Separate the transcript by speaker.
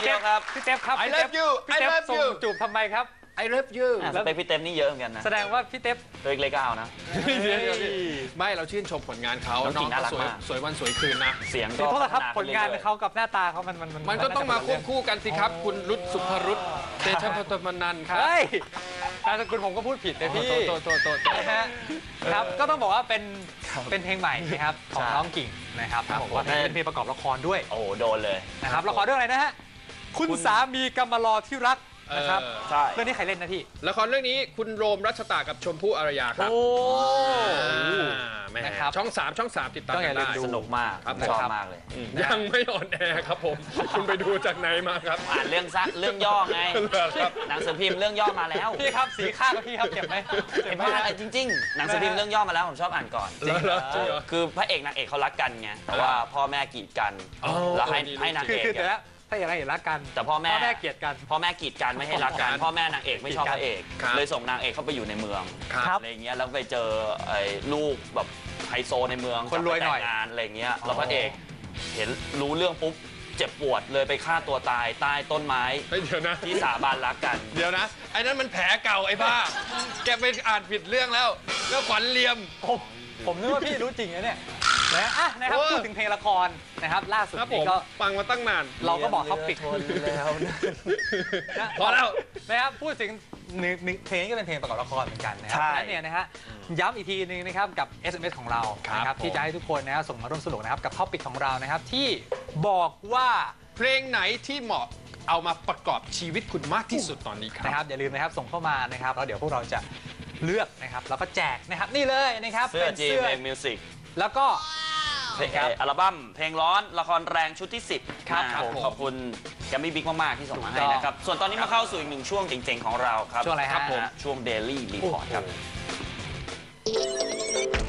Speaker 1: พี่เจ๊ครับพี่เจ๊ครับ
Speaker 2: I love you
Speaker 1: พี่เจ๊ส่งจูบทำไมครับ
Speaker 2: I love you
Speaker 3: สเปคพี่เต็มนี่เยอะเหมือนกันนะ
Speaker 1: แสดงว่าพี่เต๊บ
Speaker 3: ตัวเล็กๆก็เอานะ
Speaker 2: ไม่เราชื่นชมผลงานเขา
Speaker 3: น้องกิ่งน่ารักมาก
Speaker 2: สวยวันสวยคืนนะ
Speaker 3: เสียง
Speaker 1: ข
Speaker 3: ก็
Speaker 1: อโทษนะครับ
Speaker 3: พัฒ
Speaker 1: ผลงาน
Speaker 3: ขึ้รื่อยๆ
Speaker 1: เขากับหน้าตาเขามัน
Speaker 2: ก็ต้องมาควบคู่กันสิครับ คุณรุตสุภรุตเตชะพัฒนันท์ครับ
Speaker 1: เฮ้ยนามสกุลผมก็พูดผิดเลยพี่
Speaker 2: โต
Speaker 1: นะฮะครับก็ต้องบอกว่าเป็นเพลงใหม่นะครับของน้องกิ่งนะครับบอกว่าเป็นเพลงประกอบละครด้วย
Speaker 3: โอ้โหโดนเลย
Speaker 1: นะครับละครเรื่องอะไรนะฮะคุณสามีกำมารอที่รักนะครับ
Speaker 3: ใช่
Speaker 1: เรื่องนี้ใครเล่นนะพี่
Speaker 2: ละครเรื่องนี้คุณโรมรัชตากับชมพู่อารยาครับ
Speaker 1: โอ้
Speaker 2: แม่
Speaker 1: นะครับ
Speaker 2: ช่อง3ติดตาม
Speaker 1: ต้องอ
Speaker 2: กั
Speaker 1: ย่าน ลืม
Speaker 2: ได้
Speaker 1: ดู
Speaker 3: สนุกมาก
Speaker 2: ครับ
Speaker 3: ชอบมากเลย
Speaker 2: ยังไม่ออนแอร์ครับผม คุณไปดูจากไหนมาครับ
Speaker 3: อ่านเรื่องย่อไง
Speaker 2: ครับ
Speaker 3: หนังสือพิมพ์เรื่องย่อมาแล้ว
Speaker 1: พี่ครับสีข้างกับพี่ครับเจ็บไหมเจ็บไหม
Speaker 3: ไม่จริงๆ หนังสือพิมพ์เรื่องย่อมาแล้วผมชอบอ่านก่อน
Speaker 2: จริงเหรอ
Speaker 3: คือพระเอกนางเอกเขารักกันไงแต่ว่าพ่อแม่กีดกัน
Speaker 2: อ๋อ
Speaker 3: แล้วให้นาง
Speaker 1: คือ
Speaker 3: เอก
Speaker 1: แต่ละถ้าอย่างไรเห็นรักกัน
Speaker 3: แต่พ่อแม่
Speaker 1: เกลียดกัน
Speaker 3: พ่อแม่กีดกันไม่ให้รักกัน พ่อแม่นางเอกไม่ชอบพระเอก
Speaker 2: ครับ
Speaker 3: เลยส่งนางเอกเข้าไปอยู่ในเมือง
Speaker 2: ครับ
Speaker 3: อะไรเงี้ยแล้วไปเจอไอ้ลูกแบบไฮโซในเมือง
Speaker 1: คนรวยหน่อย
Speaker 3: จะไปแต่งงานอะไรเงี้ยแล้วพระเอกเห็นรู้เรื่องปุ๊บเจ็บปวดเลยไปฆ่าตัวตายใต้ต้นไม้
Speaker 2: เฮ้ยเดี๋ยวนะ
Speaker 3: ที่สาบานรักกัน
Speaker 2: เดี๋ยวนะไอ้นั้นมันแผลเก่าไอ้บ้า แกไปอ่านผิดเรื่องแล้วขวัญเลียม
Speaker 1: ผมนึกว่าพี่รู้จริงนะเนี่ยนะอ่ะนะครับ
Speaker 2: โอ้
Speaker 1: พูดถึงเพลงละครนะครับล่าสุด
Speaker 2: ครับผ
Speaker 1: นี้
Speaker 2: ม
Speaker 1: ก็
Speaker 2: ฟังมาตั้งนาน
Speaker 1: เราก็บอกเขาปิด
Speaker 3: แล้วนะ
Speaker 1: นะ
Speaker 2: พอแล้ว
Speaker 1: นะครับพูดถึงหนึ่งเพลงก็เป็นเพลงประกอบละครเหมือนกันนะครั
Speaker 3: ใช่
Speaker 1: และเนี่ยนะฮะย้ำอีกทีนึงนะครับกับ SMS ของเรา
Speaker 2: ครับ
Speaker 1: นะครับ
Speaker 2: ผม
Speaker 1: ที่จะให้ทุกคนนะครับส่งมาร่วมสนุกนะครับกับท็อปิกของเรานะครับที่บอกว่า
Speaker 2: เพลงไหนที่เหมาะเอามาประกอบชีวิตคุณมากที่สุดตอนนี้ค
Speaker 1: นะค
Speaker 2: รั
Speaker 1: รับ บอย่าลืมนะครับส่งเข้ามานะครับแล้วเดี๋ยวพวกเราจะเลือกนะครับแล้วก็แจกนะครับนี่เลยนะครับ
Speaker 3: เสื้อ
Speaker 1: เป็น
Speaker 3: จี
Speaker 1: เสื้อ
Speaker 3: เพลงมิวสิก
Speaker 1: แล้วก็
Speaker 3: อัลบั้มเพลงร้อนละครแรงชุดที่ 10
Speaker 1: ครับ
Speaker 3: นะ
Speaker 1: ผม
Speaker 3: ขอบคุณแกมมี่บิ๊กมาก ๆ ที่ส่งมาให้
Speaker 1: ถูกต้อง
Speaker 3: นะครับ ส่วนตอนนี้มาเข้าสู่อีกหนึ่งช่วงเจ๋ง ๆ ของเราครับ
Speaker 1: ช่วงอะไรฮะ
Speaker 3: ครับผมช่วง Daily Report ครับ
Speaker 1: โอ้โห